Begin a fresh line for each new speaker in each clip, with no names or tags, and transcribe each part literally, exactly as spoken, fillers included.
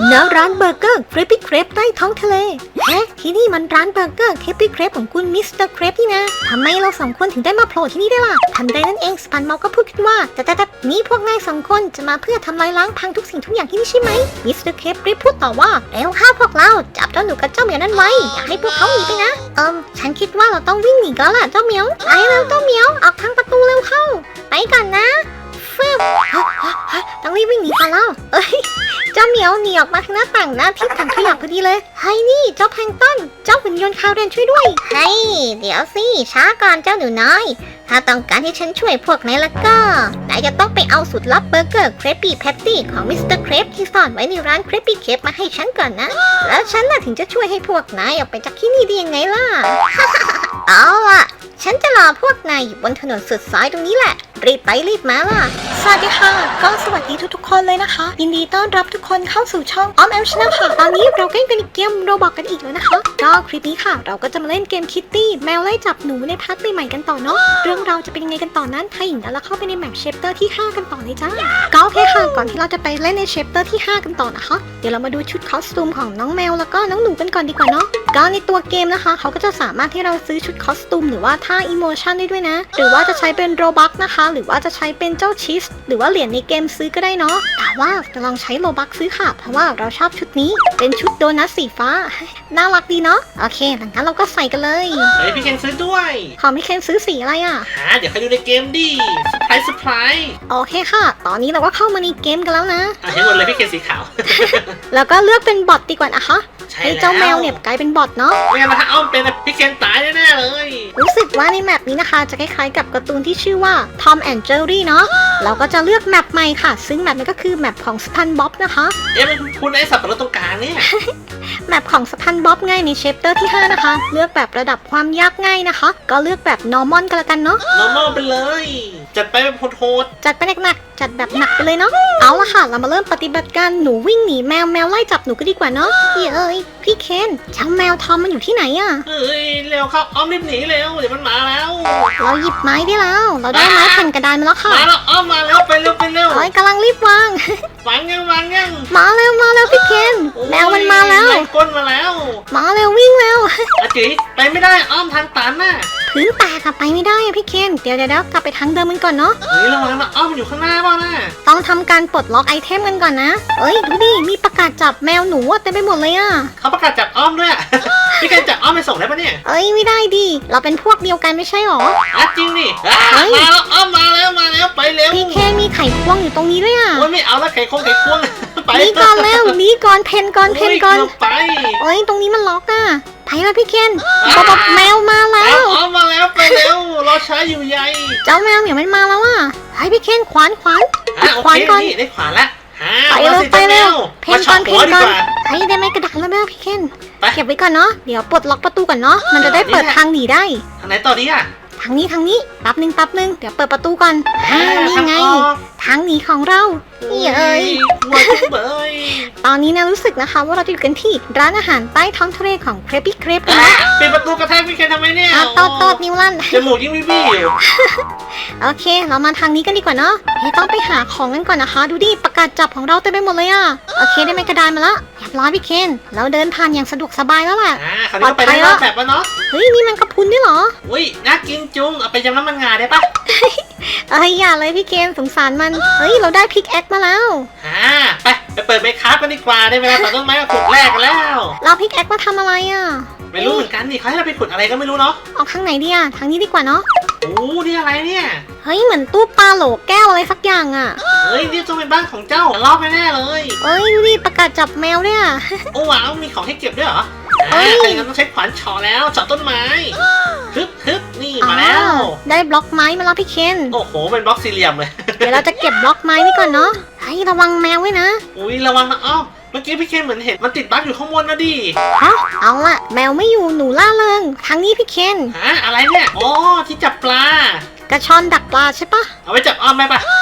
ณร้านเบอร์เกอร์เครปปี้เครปใต้ท้องทะเลเอ๊ะที่นี่มันร้านเบอร์เกอร์เครปปี้เครปของคุณมิสเตอร์เครปนี่นะทำไมเราสองคนถึงได้มาโผล่ที่นี่ได้ล่ะทันใดนั้นเองสปันเมาก็พูดขึ้นว่าแต่แต่แต่นี่พวกนายสองคนจะมาเพื่อทำลายล้างพังทุกสิ่งทุกอย่างที่นี่ใช่ไหมมิสเตอร์เครปรีบพูดต่อว่าเร็วเข้าพวกเราจับเจ้าหนูกับเจ้าเหมียวนั้นไว้อย่าให้พวกเขาหนีไปนะเอิมฉันคิดว่าเราต้องวิ่งหนีกันล่ะเจ้าเหมียวไปเร็วเจ้าเหมียวออกทางประตูเร็วเข้าไปกันนะฟึบต้องรีบวิ่งหนีกันแล้วเอ้ยเจ้าเหมียวหนีออกมาทางหน้าต่างหน้าที่ถังขยะพอดีเลยเฮ้ยนี่เจ้าแพลงก์ต้นเจ้าหุ่นยนต์คาวเรนช่วยด้วยเฮ้ยเดี๋ยวสิช้าก่อนเจ้าหนูน้อยถ้าต้องการให้ฉันช่วยพวกนายแล้วก็นายจะต้องไปเอาสูตรลับเบอร์เกอร์เครปปี้แพตตี้ของมิสเตอร์เครปที่ซ่อนไว้ในร้านเครปปี้เครปมาให้ฉันก่อนนะแล้วฉันน่ะถึงจะช่วยให้พวกนายออกไปจากที่นี่ได้ยังไงล่ะ เอาล่ะฉันจะรอพวกนายอยู่บนถนนสุดซอยตรงนี้แหละรีบไปรีบมาล่ะสวัสดีค่ะก็สวัสดีทุกๆคนเลยนะคะยินดีต้อนรับทุกคนเข้าสู่ช่องออมแอมชาแนลค่ะตอนนี้เราก็เป็นเกมโรบอกกันอีกแล้วนะคะก็คลิปนี้ค่ะเราก็จะมาเล่นเกมคิตตี้แมวไล่จับหนูในพาร์ทใหม่ๆกันต่อเนาะเรื่องเราจะเป็นยังไงกันต่อนั้นถ้าอย่างนั้นเราเข้าไปในแมปเชปเตอร์ที่ห้ากันต่อเลยจ้าก็โอเคค่ะก่อนที่เราจะไปเล่นในเชปเตอร์ที่ห้ากันต่อนะคะเดี๋ยวเรามาดูชุดคอสตูมของน้องแมวแล้วก็น้องหนูกันก่อนดีกว่าเนาะก็ในตัวเกมนะคะเขาก็จะสามารถให้เราซื้อชุดคอสตูมหรือว่าท่าอิโมชันได้ด้วยนะหรือว่าจะใช้เป็นโรบัคนะคะหรือว่าจะใช้เป็นเจ้าชีสหรือว่าเหรียญในเกมซื้อก็ได้เนาะแต่ว่าจะลองใช้โรบัคซื้อค่ะเพราะว่าเราชอบชุดนี้เป็นชุดโดนัทสีฟ้าน่ารักดีเนาะโอเคหลังจากนั้นเราก็ใส่กันเลย
เฮ้ยพี่เคนซื้อด้วย
ขอพี่เคนซื้อสีอะไรอ่ะ
หาเดี๋ยวใครดูในเกมดิสไพรส์สไพรส์
โอเคค่ะตอนนี้เราก็เข้ามาในเกมกันแล้วนะ
อ่ะให้หมดเลยพี่เคนสีขาว
แล้วก็เลือกเป็นบอทดีกว่านะคะให้เจ้าแมวเนี่ยกลายเป็นบอทเนาะ
ไม่งั้นถ้าอ้อมเป็นพี่เคนตายแน่ๆเลย
รู้สึกว่าในแมปนี้นะคะจะคล้ายๆกับการ์ตูนที่ชื่อว่า Tom and Jerry เนาะเราก็จะเลือกแมปใหม่ค่ะซึ่งแมปนี้ก็คือแมปของสปันบ๊อบนะคะ
เอ๊ะมันคุณไอ้สับปะรดตรงกลางเนี่ย
แมปของสปันบ๊อบง่ายในเชปเตอร์ที่ห้านะคะเลือกแบบระดับความยากง่ายนะคะก็เลือกแบบ normal กันละกันเนาะ
normal ไปเลยจัดไปแบบโหด
ๆจัดไปหนักๆจัดแบบหนักไปเลยเนาะเอาละค่ะเรามาเริ่มปฏิบัติการหนูวิ่งหนีแมวแมวไล่จับหนูก็ดีกว่าเนาะเอ้ยพี่เคนช่างแมวทอมมันอยู่ที่ไหนอะ
เฮ้ยเร็วครับอ้อมรีบหนีเร็วเดี๋ยวมันมาแล้ว
เราหยิบไม้ได้แล้วเราได้ไม้แผ่นกระดานมาแล้วค่ะ
มาแล้วอ้อมมาแล้วไปเร็วไปเร็ว
เฮ้ยกำลังรีบวาง
วางยังวางยัง
มาเร็วมาเร็วพี่เคนแมวมันมาแล้ว
ก้นมาแล้ว
มาเร็ววิ่งเร็ว
อาจิไปไม่ได้อ้อมทางตันน่ะ
พื้นแตกอะไปไม่ได้อะพี่เคนเดี๋ยวเดี๋ยวกลับไปทางเดิมกันก่อนเนาะ
เฮ้ยระวังนะอ้อมอยู่ข้างหน้าบ้างนะ
ต้องทำการปลดล็อกไอเทมกันก่อนนะเอ้ยดูดิมีประกาศจับแมวหนูเต็มไปหมดเลยอะ
เขาประกาศจับอ้อมด้วยพี่เคนจับอ้อมไปส่งได้ปะเนี่ย
เอ้ยไม่ได้ดิเราเป็นพวกเดียวกันไม่ใช่หรอ
อ่ะจริงดิมาแล้วอ้อมมาแล้วมาแล้วไปเร็ว
พี่เคนมีไข่ควงอยู่ตรงนี้ด้วยอะ
โอ้ยไม่เอาละไข่ควงไข่ควง
ไปนี่ก่อนแล้วนี่ก่อนเพนก่อนเพนก่อน
ไป
เอ้ยตรงนี้มันล็อกอะไปแล้วพี่เคนบ๊อบแมวมาแล้ว
อ้อมมาแล้วไปเร็วรอช้าอยู่ใหญ่
เจ้าแมวเนี่ยมันมาแล้วอะให้พี่เคนขวานขวาน
ขวานก่อนได้ขวานละ
ไปเร็วไปเร็วเพนก่อนเพนก่อนให้ได้ไหมกระดาษแล้วแม่พี่เคนเก็บไว้ก่อนเนาะเดี๋ยวปลดล็อกประตูก่อนเนาะมันจะได้เปิดทางหนีได้
ทางไหนต่อดีอะ
ทางนี้ทางนี้แป๊บนึงแป๊บนึงเดี๋ยวเปิดประตูก่อนอ่านี่ไงทางหนีของเรานี่เอ้ยตอนนี้นะรู้สึกนะคะว่าเราจะอยู่กันที่ร้านอาหารใต้ท้องทะเลของเครปปี้เครปนะ
ปิดประตูกระแทกพี่เคนทำไมเนี่ย
ตอดตอดนิ้วลั่น
จมูกยิ่งวิบี้อยู่
โอเคเรามาทางนี้กันดีกว่าเนาะต้องไปหาของกันก่อนนะคะดูดิประกาศจับของเราเต็มไปหมดเลยอ่ะโอเคได้ไม้กระดานมาแล้วเรียบร้อยพี่เคนเราเดินผ่านอย่างสะดวกสบายแล้วแหละ
ปลอดภัยแล้วแบบว่าเนาะ
เฮ้ยนี่มันกระพุนด้วยเหรอ
อุ้ยน่ากินจุ้งเอาไปยำน้ำมันงาได้ปะ
เอ้ยอย่าเลยพี่เคนสงสารมันเฮ้ยเราได้พิกแอคมาแล้ว
ฮ่าไปไปเปิดไมค์คราฟกันดีกว่าได้เวลาตัดต้นไม้กับขุดแรกกันแล้ว
เราพิกแอคมาทำอะไรอ่ะ
ไม่รู้เหมือนกันนี่เขาให้เราไปขุดอะไรก็ไม่รู้เนาะ
เอาข้างไหนดีอ่ะทางนี้ดีกว่าเนาะ
โอ้นี่อะไรเนี่ย
เฮ้ยเหมือนตู้ปลาโหลแก้วอะไรสักอย่างอ่ะ
เฮ้ยนี่ต้องเป็นบ้านของเจ้าลอบแน่เลย
เอ้ยดูดิประกาศจับแมวเนี่ย
โอ้ว้าวมีของให้เก็บด้วยเหรอเฮ้ยใครกันต้องใช้ขวานเฉาะแล้วเฉาะต้นไม้ฮึบฮึบนี่มาแล้ว
ได้บล็อกไม้มาแล้วพี่เคน
โอ้โหเป็นบล็อกสี่เหลี่ยมเลย
เดี๋ยวเราจะเก็บบล็อกไม้นี่ก่อนเนาะให้ระวังแมวไว้นะ
อุ้ยระวังนะอ้อเมื่อกี้พี่เคนเหมือนเห็นมันติดบั๊กอยู่ข้างบนนะดิ
ฮะเอาละแมวไม่อยู่หนูล่าเริงทางนี้พี่เคน
ฮะอะไรเนี่ยอ๋อที่จับปลาก
ระชอนดักปลาใช่ปะ
เอาไว้จับอ้อมไหมปะ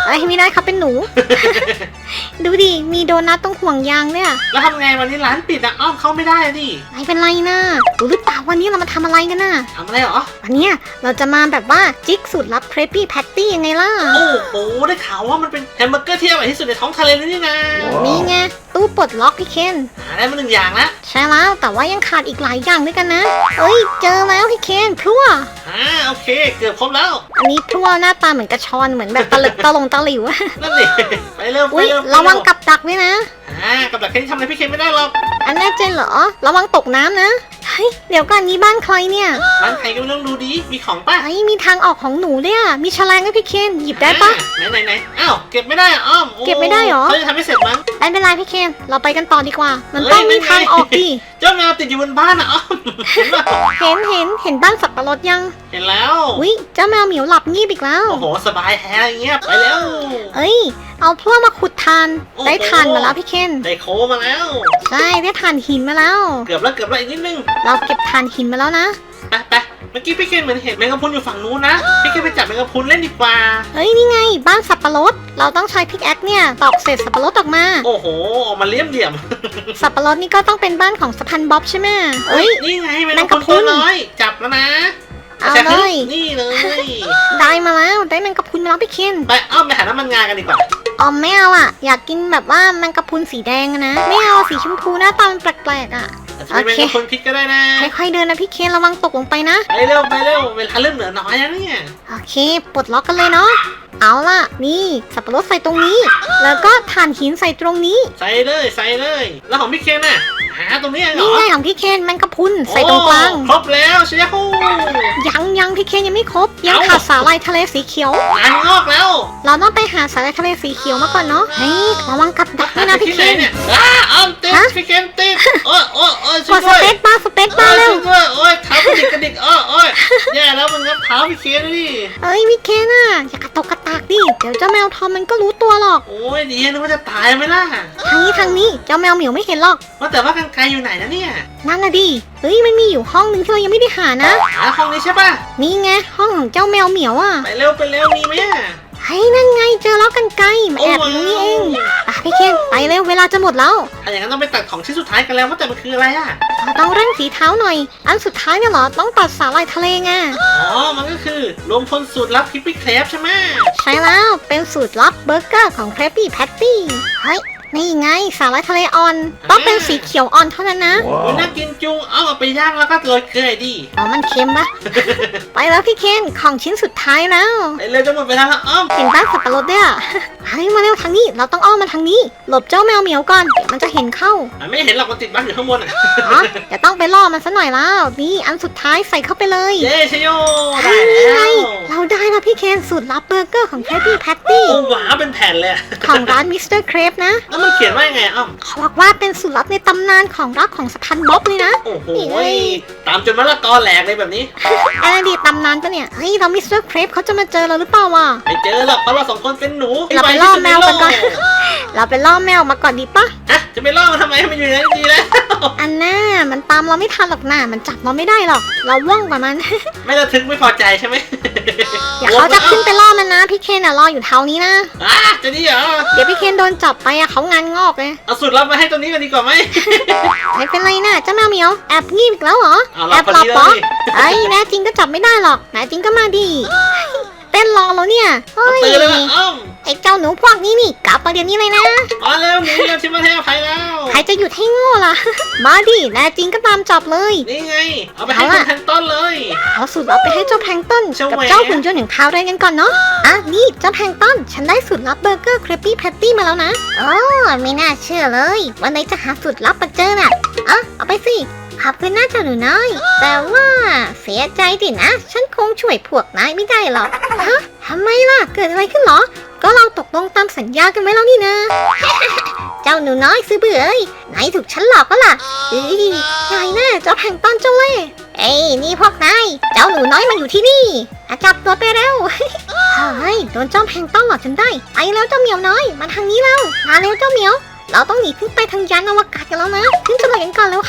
เอ้ยไม่ได้ครับเป็นหนู ดูดิ มีโดนัทตรงห่วงยางเนี่ย
แล้วทำไงวันนี้ร้านปิดอะอ้อมเข้าไม่ได้อะดิ
ไม่เป็นไรนะรู้หรือเปล่าวันนี้เรามาทำอะไรกันน่ะ
ทำอะไรเหรอ
วันเนี้ยเราจะมาแบบว่าจิกสูตรลับเครปปี้แพตตี้ยังไงล่ะ
โอ้โหได้ข่าวว่ามันเป็นแฮมเบอร์เกอร์ที่อร่อยที่สุดในท้องทะเลเลยนี่นะ
นี่ไงตู้ปลดล็อกพี่เคน
หาได้มาหนึ่งอย่างละ
ใช่แล้วแต่ว่ายังขาดอีกหลายอย่างด้วยกันนะ เอ้ยเจอแล้วพี่เคนพลั่ว
อ่าโอเค เกือบครบแล้ว
อันนี้พลั่วหน้าตาเหมือนกระชอนเหมือนแบบตะลึกตะลงตะหลิว
นั่นดิไปเร็วไป
อุ้ย
เร็ว
ระวังกับดักด้วยนะ
อ่ากับดักแค่นี้ทำอะไรพี่เคนไม่ได้หรอก
อันแน่ใจเหรอ ระวังตกน้ำนะ เฮ้ย เดี๋ยวก่อนนี้บ้านใครเนี่ย
ร้านใครก็ไม่ต้องดูดีมีของป่ะ
เฮ้ย มีทางออกของหนูด้วยอะมีแฉลงด้วยพี่เคน หยิบได้ปะ
อ่าไหนไหนไหนอ้าวเก็บไม่ได้อะอ้อมโอ้
เก็บไม่ได้เหรอ
เขาจะทำให้เสร็จมั้ง
ไม่เป็นไรพี่เคน เราไปกันต่อดีกว่า มัน
เฮ้ย
ต้องมี
ไม่ไง
ทางออกดิ
เจ้าแมวติดอยู่บนบ้านอะอ้อมเห็นป่ะ
เห็นเห็นเห็นบ้านสับปะรดยัง
เห็นแล้ว
อุ้ยเจ้าแมวเหมียวหลับงีบอีกแล้ว
โอ้โหสบายแฮะอย่างเงี้ยไปแล้ว
เอ้ย เอาพวกมาขุดทาน
โอ้โห
ได้ทานมาแล้วพี่เคน
ได้โคมาแล้ว
ใช่ ได้ทานหินมาแล้ว
เกือบแล้วเกือบแล้วอีกนิดนึง
เราเก็บทานหินมาแล้วนะ
ไปไปเมื่อกี้พี่เคนเหมือนเห็นแมงกะพรุนอยู่ฝั่งนู้นนะพี่เคนไปจับแมงกะพรุนเล่นดีกว่า
เฮ้ย นี่ไง บ้านสับปะรด เราต้องใช้พิกแอคเนี่ย ตอกเศษสับปะรดออกมา
โอ้โหออกมาเลี่ยมเหลี่ยม
สับปะรดนี่ก็ต้องเป็นบ้านของสะพันบ๊อบใช่ไหมเอ้ย
นี่ไงแมง
แมง
กะ
กะ
พ
พรุ
รุน
น
ตัวน้อย จับแล้วนะ
เอาเลย
นี่เลย
ได้มาแล้ว ได้แมงกะพรุนมาแล้วพี่เคน
ไปอ้อมไปหาน้ำมันงากันดีกว่า
ออมไม่เอาอ่ะ อยากกินแบบว่าแมงกะพรุนสีแดงอะนะ ไม่เอาสีชมพูหน้าตามันแปลกๆอ่ะ
อาจจะเป็นแมงกะพรุนพิษก็ได้นะ
ค่อยๆเดินนะพี่เคนระวังตกลงไปนะ
ไปเร็วไปเร็วเวลาเริ่มเหลือน้อยแล้วเนี่ย
โอเค ปลดล็อกกันเลยเนาะ เอาล่ะ นี่สับปะรดใส่ตรงนี้ แล้วก็ถ่านหินใส่ตรงนี้
ใส่เลยใส่เลย แล้วของพี่เคนน่ะหาตรงนี้เหร
นี่
อ
ไงของพี่เคนแมงกะพรุนใส่ตรงกลาง
โอ้ครบแล้วเชียร์ฮู
ยังยังพี่เคนยังไม่ครบ ยัง
เอ้า
ขาดสาหร่ายทะเลสีเขียว
งานงอกแล้ว
เราต้องไปหาสาหร่ายทะเลสีเขียวมาก่อนเนาะ เฮ้ยระวังกับดักด้วยนะพี่
ที่
เค
ไหน
น
เนี่ยอ้าอ้อมติด
ฮะ
พี่เคนติดโอ้ยโอ้ยโอ้ย
ก
ช่วย
ดส
ด้วย
เปซบาร์สเปซ
โอ้
บาร์
ย
เร็ว
ช่วยด้วยโอ้ยเท้ากระดิกกระดิกโอ้ยโอ้ยแย่แล้วมันงับเท้าพี่เคนดิ
เอ้ยพี่เคนอ่ะอย่ากระตกกระตากดิ เดี๋ยวเจ้าแมวทอมมันก็รู้ตัวหรอก
โอ้ยดีนึกว่าจะตายไหมล่ะ
ทางนี้ทางนี้เจ้าแมวเหมียวไม่เห็นหรอก
ว่าแต่ว่ากันไกลอยู่ไหนนะเนี่ย
นั่นน่ะดิ เฮ้ยมันมีอยู่ห้องนึงที่เรายังไม่ได้หานะ
หาห้องนี้ใช่ป่ะ
นี่ไงห้องของเจ้าแมวเหมียวอ่ะ
ไปเร็วไปเร็วมีไหมอะ
เฮ้ยนั่นไงเจอแล้วกันไกลมาแอบอยู่นี่เองอ่ะพี่เคนไปเร็วเวลาจะหมดแล้ว
ถ้าอย่างนั้นต้องไปตัดของชิ้นสุดท้ายกันแล้วว่าแต่มันคืออะไรอ่ะ
เราต้องเร่งสีเท้าหน่อย อันสุดท้ายเนี่ยเหรอ ต้องตัดสาหร่ายทะเลไง
อ๋อ มันก็คือรวมพลสูตรลับคิปปี้เครปใช่ไหม
ใช่แล้ว เป็นสูตรลับเบอร์เกอร์ของ Krabby Patty เฮ้ย นี่ไงสาหร่ายทะเลอ่อน ต้องเป็นสีเขียวอ่อนเท่านั้นนะ
โอ้ยน่ากินจุง เอาเอาไปย่างแล้วก็โรยเกลือดิ
อ๋อ มันเค็มปะ ไปแล้วพี่เคน ของชิ้นสุดท้ายแล้ว
ไปเร็วจะหมดเวลาแล้วอ้อม
เห็นบ้านสับปะรดด้วยอ่ะ เฮ้ยมาเร็วทางนี้ เราต้องอ้อมมาทางนี้ หลบเจ้าแมวเหมียวก่อน เดี๋ยวมันจะเห็นเข้า
อ่ะไม่เห็นหรอกมันติดบั๊กอยู่ข้างบนอ่ะ
อ๋อเดี๋ยวต้องไปล่อมันซะหน่อยแล้ว นี่อันสุดท้ายใส่เข้าไปเลย
เย้ชโย
เฮ้
ได้
ยนี่ไง
แล้ว
เราได้แล้วพี่เคนสูตรลับเบอร์เกอร์ของ Krabby Patty
โอ้หวาเป็นแผ่นเลยอะ
ของร้านมิสเตอร์เครปนะ
แล้วมันเขียนว่ายังไงอ้อม
เขาบอกว่าเป็นสูตรลับในตำนานของรักของสะพันบ๊อบเลยนะ
โอ้โห
นี่ไง
ตามจนมะละกอแหลกเลยแบบนี้
อะไรดีตำนานปะเนี่ย เฮ้ยเรามิสเตอร์เครปเขาจะมาเจอเราหรือเปล่าวะ
ไม่เจอหรอกเพราะเราสองคนเป็นหนูที่
เราไป
ว
ล่อ
ที่สุด
แมวกันก่อน
ใโล
เราไปล่อแมวมาก่อนดีปะ
ฮะจะไปล่อมันทำไมให้มันอยู่ในนั้นดีแล้ว
อันน่ามันตามเราไม่ทันหรอกนะมันจับเราไม่ได้หรอก เราว่องกว่ามัน
ไม่ระทึกไม่พอใจใช่ไหม
อย่าเขาจะขึ้นไปล่อมันนะ พี่เคนอะรออยู่เท่านี้นะ
อ่ะจะดีเหรอ
เดี๋ยวพี่เคนโดนจับไปอะเขางานงอกเลย
เอาสูตรลับมาให้ตรงนี้กันดีกว่าไหม
ไม่เป็นไรนะเจ้าแมวเหมียวแอบงีบอีกแล้วเหรอ
เอาเรา
แอบ
พอ
หลั
ดี
บ
แล้ว
ปะ
ดิ
ไอ้ยแน่จริงก็จับไม่ได้หรอกแน่จริงก็มาดิเต้นรอแล้วเนี่ยเฮ้ย
ตื่นแล้วนะอ้อม
ไอ้เจ้าหนูพวกนี้นี่กลับมาเดี๋ยวนี้เลยนะ
มาเร็วหนีเราชิมมาให้อภัยแล้ว
ใครจะหยุดให้โง่ล่ะ มาดิแน่จริงก็ตามจับเลย
นี่ไง เอาไปให้
เอา
คุ
ล่ะ
ณแพนต้นเลย
เอาสูตรลับไปให้เจ้าแพลงก์ต้น
เจ้า
กับ
แหวะ
เจ้าหุ่นยนต์อย่างพาวไรกันก่อนเนาะ อ่ะนี่เจ้าแพลงก์ต้น ฉันได้สูตรลับเบอร์เกอร์เครปปี้แพตตี้มาแล้วนะโอ้ไม่น่าเชื่อเลย วันไหนจะหาสูตรลับมาเจอน่ะอ่ะเอาไปสิขอบคุณนะเจ้าหนูน้อย แต่ว่าเสียใจดินะ ฉันคงช่วยพวกนายไม่ได้หรอก ฮะทำไมล่ะ เกิดอะไรขึ้นเหรอ ก็เราตกลงตามสัญญากันไว้แล้วนี่นะ เจ้าหนูน้อยซื้อเบื่อเอ้ยไหนถูกฉันหลอกก็ล่ะเอ้ยนายแน่เจ้าแพลงก์ต้นเจ้าเล่ห์เอ้ยนี่พวกนายเจ้าหนูน้อยมาอยู่ที่นี่อ่ะจับตัวไปเร็ว เฮ้ยโดนเจ้าแพลงก์ต้นหลอกจนได้ไปแล้วเจ้าเหมียวน้อยมาทางนี้แล้วมาเร็วเจ้าเหมียว เราต้องหนีขึ้นไปทางยานอวกาศกันแล้วนะขึ้นจรวดกันก่อนแล้วเข้าไป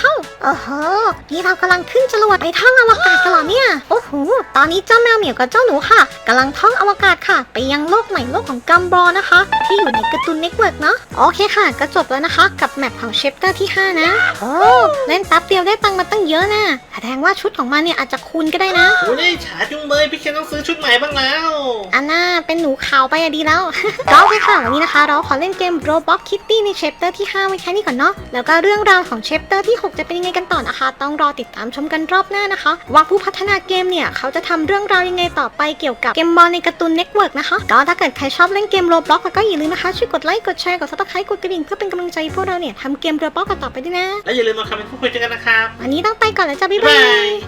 โอ้โห นี่เรากำลังขึ้นจรวดไปท่องอวกาศกันเหรอเนี่ย โอ้โห ตอนนี้เจ้าแมวเหมียวกับเจ้าหนูค่ะกำลังท่องอวกาศค่ะ ไปยังโลกใหม่โลกของกัมบอนะคะ ที่อยู่ในการ์ตูนเน็ตเวิร์กเนาะ โอเคค่ะ ก็จบแล้วนะคะ กับแมปของเชปเตอร์ที่ห้านะ โอ้ เล่นแป๊บเดียวได้ตังค์มาตั้งเยอะนะแสดงว่าชุดของมันเนี่ยอาจจะคูณก็ได้นะ
โอ้ยฉาจุงเบยพี่เคนต้องซื้อชุดใหม่บ้างแล้ว
อันน่าเป็นหนูขาวไปอะดีแล้ว ก็โอเคค่ะวันนี้นะคะ เราขอเล่นเกม Roblox Kitty ในเชปเตอร์ที่ห้าไว้แค่นี้ก่อนเนาะ แล้วก็เรื่องราวของเชปเตอร์ที่หกจะเป็นยังไงกันต่อนะคะ ต้องรอติดตามชมกันรอบหน้านะคะ ว่าผู้พัฒนาเกมเนี่ยเขาจะทำเรื่องราวยังไงต่อไปเกี่ยวกับเกมบอลในการ์ตูนเน็ตเวิร์กนะคะก็ถ้าเกิดใครชอบเล่นเกม Roblox แล้วก็อย่าลืมนะคะช่วยกดไลค์กดแชร์กด Subscribe กดกระดิ่งเพื่อเป็นกำลังใจให้พวกเราเนี่ยทำเกม Roblox กันต่อไปด้วยนะ
และอย่าลืมมาคอมเมนต์พูดคุยกันนะครับ
วันนี้ต้องไปก่อนแล้วจ้ะบ๊าย
บ๊าย
บา
บาย ย